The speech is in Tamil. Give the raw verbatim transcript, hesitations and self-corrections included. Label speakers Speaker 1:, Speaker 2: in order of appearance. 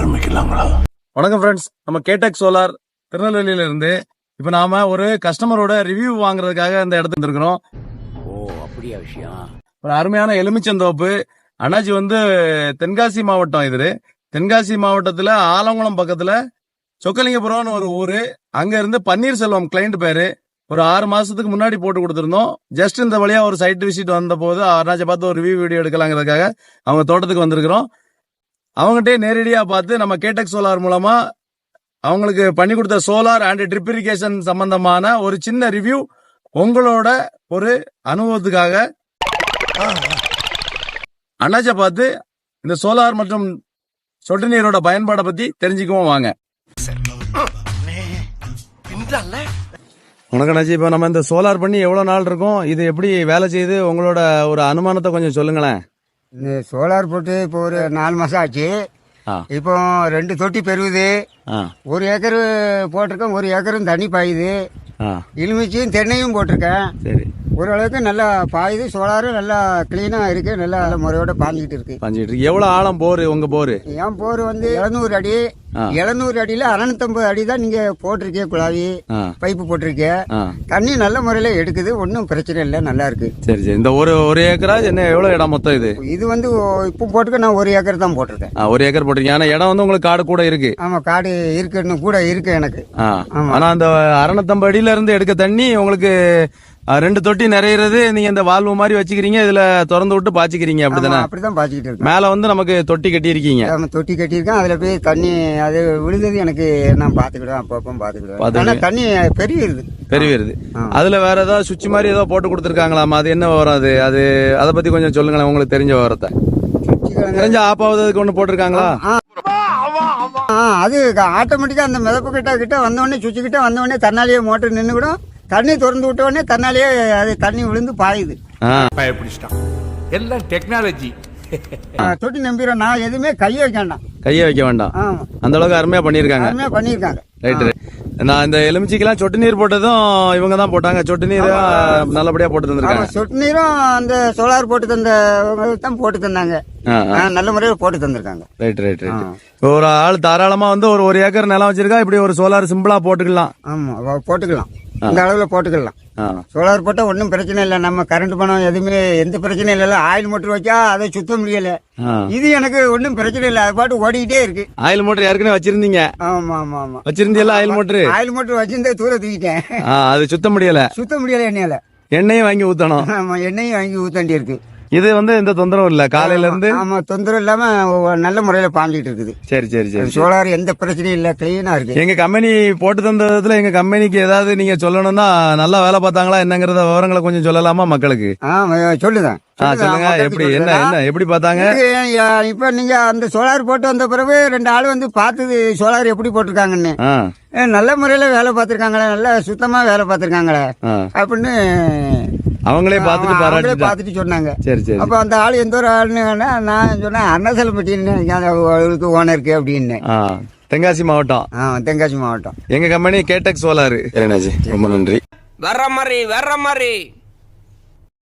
Speaker 1: ஆரம்பிக்கலாங்களா?
Speaker 2: வணக்கம் ஃப்ரெண்ட்ஸ், நம்ம கேடெக் சோலார் திருநெல்வேலியில இருந்து இப்ப நாம ஒரு கஸ்டமரோட ரிவ்யூ வாங்குறதுக்காக இந்த இடத்துக்கு வந்திருக்கிறோம்.
Speaker 1: ஓ, அப்படியா விஷயம்?
Speaker 2: ஒரு அருமையான எலுமிச்சந்தோப்பு. அண்ணாச்சி வந்து தென்காசி மாவட்டம். இது தென்காசி மாவட்டத்துல ஆலங்குளம் பக்கத்துல சொக்கலிங்கபுரம்னு ஒரு ஊரு. அங்க இருந்து பன்னீர்செல்வம் கிளைண்ட் பேரு. ஒரு ஆறு மாசத்துக்கு முன்னாடி போட்டு கொடுத்திருந்தோம். ஜஸ்ட் இந்த வழியா ஒரு சைட் விசிட் வந்த போது அண்ணாச்சி பார்த்து ஒரு ரிவ்யூ வீடியோ எடுக்கலாங்கிறதுக்காக அவங்க தோட்டத்துக்கு வந்திருக்கிறோம். அவங்ககிட்டே நேரடியா பார்த்து நம்ம கேடெக் சோலார் மூலமா அவங்களுக்கு பண்ணி கொடுத்த சோலார் அண்ட் ட்ரிப் இரிகேஷன் சம்பந்தமான ஒரு சின்ன ரிவ்யூ உங்களோட ஒரு அனுபவத்துக்காக அண்ணாச்ச பார்த்து இந்த சோலார் மற்றும் சொட்டு நீரோட பயன்பாடை பத்தி தெரிஞ்சுக்குவோம் வாங்க. வணக்கம் அண்ணாச்சி, இப்ப நம்ம இந்த சோலார் பண்ணி எவ்வளவு நாள் இருக்கும், இது எப்படி வேலை செய்யுது, உங்களோட ஒரு அனுமானத்தை கொஞ்சம் சொல்லுங்களேன்.
Speaker 3: இந்த சோலார் போட்டு இப்போ ஒரு நாலு மாசம் ஆச்சு. இப்போ ரெண்டு தொட்டி பெறுவது, ஒரு ஏக்கர் போட்டிருக்கேன், ஒரு ஏக்கரும் தண்ணி பாயுது. எலுமிச்சையும் தென்னையும் போட்டிருக்கேன்.
Speaker 2: சரி,
Speaker 3: ஓரளவுக்கு நல்லா பாயுது. சோலாரும் நல்லா கிளீனா இருக்கு, நல்லா நல்ல முறையோட பாஞ்சிக்கிட்டு இருக்கு.
Speaker 2: பாஞ்சிட்டு இருக்கு. எவ்வளவு ஆழம் போரு உங்க போரு?
Speaker 3: என் போர் வந்து எழுநூறு அடி. எழுநூறு அடியில அறுநூத்தம்பது அடி தான் நீங்க போட்டிருக்கே, குழாவி பைப்பு போட்டிருக்கே. தண்ணி நல்ல முறையில எடுக்குது, ஒன்னும் பிரச்சனை இல்லை, நல்லா இருக்கு.
Speaker 2: சரி சரி. இந்த ஒரு ஒரு ஏக்கரா என்ன எவ்வளவு இடம் மொத்தம்? இது
Speaker 3: இது வந்து இப்போ போட்டுக்க நான் ஒரு ஏக்கர் தான் போட்டிருக்கேன்.
Speaker 2: ஒரு ஏக்கர் போட்டிருக்கேன். ஆனா இடம் வந்து உங்களுக்கு காடு கூட இருக்கு.
Speaker 3: ஆமா, காடு இருக்குன்னு கூட இருக்கு எனக்கு.
Speaker 2: ஆனா அந்த அறுநூத்தம்பது அடியில இருந்து எடுக்க தண்ணி உங்களுக்கு ரெண்டு தொட்டி நிறையிறது. நீங்க இந்த வால்வு மாதிரி வச்சுக்கிறீங்க, இதுல திறந்து விட்டு பாய்ச்சிக்கிறீங்க, அப்படிதானே?
Speaker 3: அப்படிதான் பாய்ச்சிக்கிட்டு இருக்கு.
Speaker 2: மேல வந்து நமக்கு தொட்டி கட்டி இருக்கீங்க.
Speaker 3: தொட்டி கட்டியிருக்கேன், அதுல போய் தண்ணி அது விழுந்தது எனக்கு நான் பாத்துக்கிடுவேன், அப்பப்போ பாத்துக்கிடுவேன். தண்ணி பெருகிருது பெருகிருது
Speaker 2: அதுல வேற ஏதாவது சுவிட்ச் மாதிரி ஏதோ போட்டு கொடுத்துருக்காங்களாமா? அது என்ன விவரம்? அது அது அதை பத்தி கொஞ்சம் சொல்லுங்களேன், உங்களுக்கு தெரிஞ்ச விவரத்தை. தெரிஞ்ச ஆப் ஆகுதுக்கு ஒண்ணு போட்டிருக்காங்களா?
Speaker 3: அது ஆட்டோமேட்டிக்கா அந்த மிதப்பு கிட்ட கிட்ட வந்தோடனே சுவிட்ச் கிட்ட வந்தோடனே தன்னாலேயே மோட்டர் நின்று கூட தண்ணி திறந்து விட்ட உடனே தன்னாலேயே அது தண்ணி விழுந்து பாயுது.
Speaker 1: எல்லாம் டெக்னாலஜி.
Speaker 3: தொட்டி நம்பிடுறோம், நான் எதுவுமே கையை வைக்க வேண்டாம்.
Speaker 2: கையை வைக்க வேண்டாம். அந்த அளவுக்கு அருமையா பண்ணிருக்காங்க.
Speaker 3: அருமையா பண்ணிருக்காங்க.
Speaker 2: ரைட். நான் இந்த எலுமிச்சிக்கெல்லாம் சொட்டு நீர் போட்டதும் இவங்க தான் போட்டாங்க. சொட்டு நீர் நல்லபடியா போட்டு தந்திருக்காங்க.
Speaker 3: சொட்டு நீரும் அந்த சோலார் போட்டு தந்த தான் போட்டு தந்தாங்க, நல்ல முறையில் போட்டு தந்திருக்காங்க.
Speaker 2: Right right right. ஒரு ஆள் தாராளமா வந்து ஒரு ஒரு ஏக்கர் நிலம் வச்சிருக்கா, இப்படி ஒரு சோலார் சிம்பிளா போட்டுக்கலாம்.
Speaker 3: ஆமா, போட்டுக்கலாம், இந்த அளவுல போட்டுக்கலாம். சோலார் போட்டா ஒன்னும் பிரச்சனை இல்லை. நம்ம கரண்ட் பணம் எதுவுமே எந்த பிரச்சனையும் இல்ல. ஆயில் மோட்டர் வச்சா அதை சுத்த முடியல. இது எனக்கு ஒன்னும் பிரச்சனை இல்லை, அது பாட்டு ஓடிக்கிட்டே இருக்கு.
Speaker 2: ஆயில் மோட்டர் ஏற்கனவே வச்சிருந்தீங்க?
Speaker 3: ஆமா ஆமா ஆமா,
Speaker 2: வச்சிருந்தீங்களா ஆயில் மோட்டர்?
Speaker 3: ஆயில் மோட்டர் வச்சிருந்தே தூர தூக்கிட்டேன்.
Speaker 2: அது சுத்த முடியல. சுத்த
Speaker 3: முடியல எண்ணெயில.
Speaker 2: எண்ணெயும் வாங்கி ஊத்தணும்.
Speaker 3: ஆமா, எண்ணெயும் வாங்கி ஊத்தாண்டி இருக்கு.
Speaker 2: இது வந்து எந்த தொந்தரவும் இல்ல காலையில இருந்து?
Speaker 3: ஆமா, தொந்தரவு இல்லாம நல்ல முறையில பாஞ்சிட்டு இருக்குது.
Speaker 2: சரி சரி சரி.
Speaker 3: சோலார் எந்த பிரச்சனையும் இல்ல, கிளீனா இருக்கு.
Speaker 2: எங்க கம்பெனி போட்டு தந்ததுல எங்க கம்பெனிக்கு ஏதாவது நீங்க சொல்லணும்னா, நல்லா வேலை பார்த்தாங்களா என்னங்கறத விவரங்களை கொஞ்சம் சொல்லலாமா மக்களுக்கு?
Speaker 3: சொல்லுதான்.
Speaker 2: சொல்லுங்க, எப்படி என்ன என்ன எப்படி பார்த்தாங்க?
Speaker 3: இப்ப நீங்க அந்த சோலார் போட்டு வந்த பிறகு ரெண்டு ஆள் வந்து பார்த்தது சோலார் எப்படி போட்டிருக்காங்கன்னு. நல்ல முறையில வேலை பார்த்திருக்காங்களே, நல்லா சுத்தமா வேலை பார்த்திருக்காங்களே அப்படின்னு
Speaker 2: அவங்களே பார்த்துட்டு பாராட்டி
Speaker 3: பார்த்துட்டு சொன்னாங்க.
Speaker 2: சரி சரி.
Speaker 3: அப்ப அந்த ஆள் எந்த ஒரு ஆளுன்னு நான் சொன்னேன், அருணாச்சலம்பட்டின்னு ஓனருக்கு அப்படின்னு.
Speaker 2: தென்காசி மாவட்டம்.
Speaker 3: தென்காசி மாவட்டம்.
Speaker 2: எங்க கம்பெனி கேடெக் சோலார். ரொம்ப நன்றி.
Speaker 4: வர்ற மாதிரி வர்ற மாதிரி